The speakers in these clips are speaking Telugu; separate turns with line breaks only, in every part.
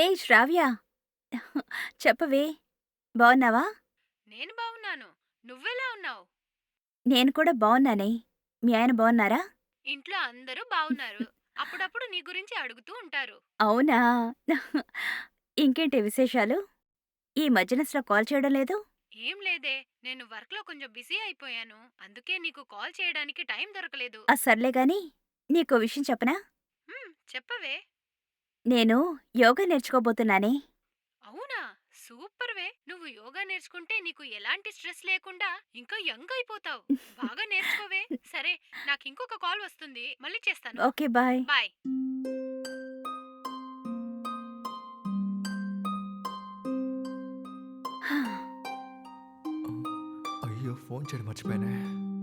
హే శ్రావ్య! చెప్పవే బావున్నావా?
నేను బావున్నాను. నువ్వెలా ఉన్నావు?
నేను కూడా బావున్నానే. మీ ఆయన బావున్నారా?
ఇంట్లో అందరూ బావున్నారు. అప్పుడప్పుడు నీ గురించి అడుగుతూ ఉంటారు.
అవునా? ఇంకేంటి విశేషాలు? ఈ మధ్యన అసలు కాల్ చేయడం లేదు?
ఏం లేదే, నేను వర్క్‌లో కొంచెం బిజీ అయిపోయాను. అందుకే నీకు కాల్ చేయడానికి టైం దొరకలేదు.
సర్లే గాని నీకో విషయం చెప్పనా?
చెప్పవే.
నేను యోగా నేర్చుకోబోతున్నానే.
అవునా? సూపర్‌వే. నువ్వు యోగా నేర్చుకుంటే నీకు ఎలాంటి స్ట్రెస్ లేకుండా ఇంకా యంగ్ అయిపోతావు. బాగా నేర్చుకోవే. సరే, నాకింకొక కాల్ వస్తుంది. మళ్ళీ చేస్తాను.
ఓకే. బాయ్.
బాయ్.
అయ్యో! ఫోన్ చేయడం మర్చిపోయానే.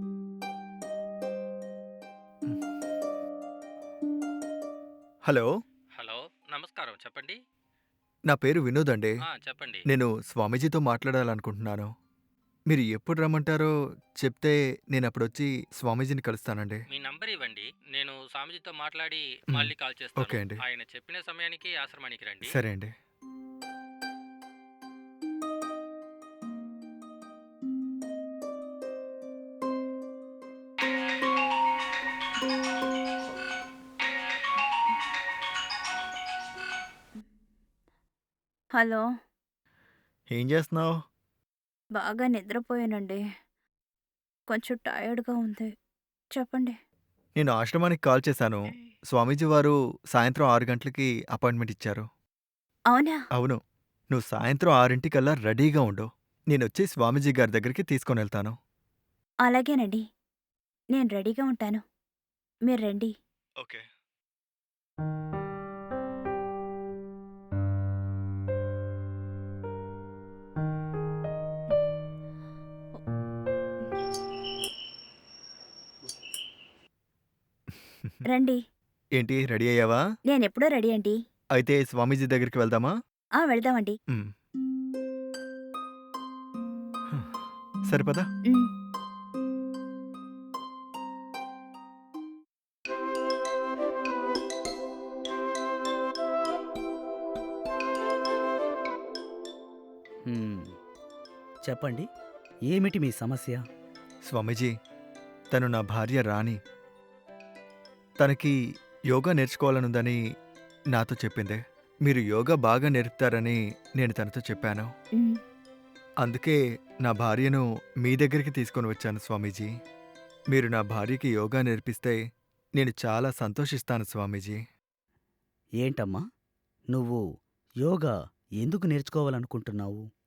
హలో!
హలో. నమస్కారం. చెప్పండి.
నా పేరు వినోద్ అండి.
చెప్పండి.
నేను స్వామీజీతో మాట్లాడాలనుకుంటున్నాను. మీరు ఎప్పుడు రమ్మంటారో చెప్తే నేనప్పుడొచ్చి స్వామీజీని కలుస్తానండి.
మీ నంబర్ ఇవ్వండి. నేను స్వామీజీతో మాట్లాడి
హ్మ్.
మళ్ళీ కాల్ చేస్తాను.
ఓకే అండి.
ఆయన చెప్పిన సమయానికి ఆశ్రమానికి రండి.
సరే అండి.
హలో!
ఏం చేస్తున్నావు?
బాగా నిద్రపోయానండి. కొంచెం టయర్డ్‌గా ఉంది. చెప్పండి.
నేను ఆశ్రమానికి కాల్ చేశాను. స్వామీజీ వారు సాయంత్రం 6 గంటలకి అపాయింట్మెంట్ ఇచ్చారు.
అవునా?
అవును. నువ్వు సాయంత్రం 6:00కల్లా రెడీగా ఉండు. నేనొచ్చి స్వామీజీ గారి దగ్గరికి తీసుకొనెళ్తాను.
అలాగేనండి. నేను రెడీగా ఉంటాను. మీరు రండి.
ఓకే.
రండి.
ఏంటి రెడీ అయ్యావా?
నేనెప్పుడూ రెడీ అండి.
అయితే స్వామీజీ దగ్గరికి వెళ్దామా?
వెళ్దామండి.
హ్మ్. సరే పద.
హ్మ్.
హ్మ్. చెప్పండి. ఏమిటి మీ సమస్య?
స్వామీజీ, తను నా భార్య రాణి. తనకి యోగా నేర్చుకోవాలనుందని నాతో చెప్పింది. మీరు యోగా బాగా నేర్పుతారని నేను తనతో చెప్పాను.
హ్మ్.
అందుకే నా భార్యను మీ దగ్గరికి తీసుకొని వచ్చాను స్వామీజీ. మీరు నా భార్యకి యోగా నేర్పిస్తే నేను చాలా సంతోషిస్తాను స్వామీజీ.
ఏంటమ్మా? నువ్వు యోగా ఎందుకు నేర్చుకోవాలనుకుంటున్నావు?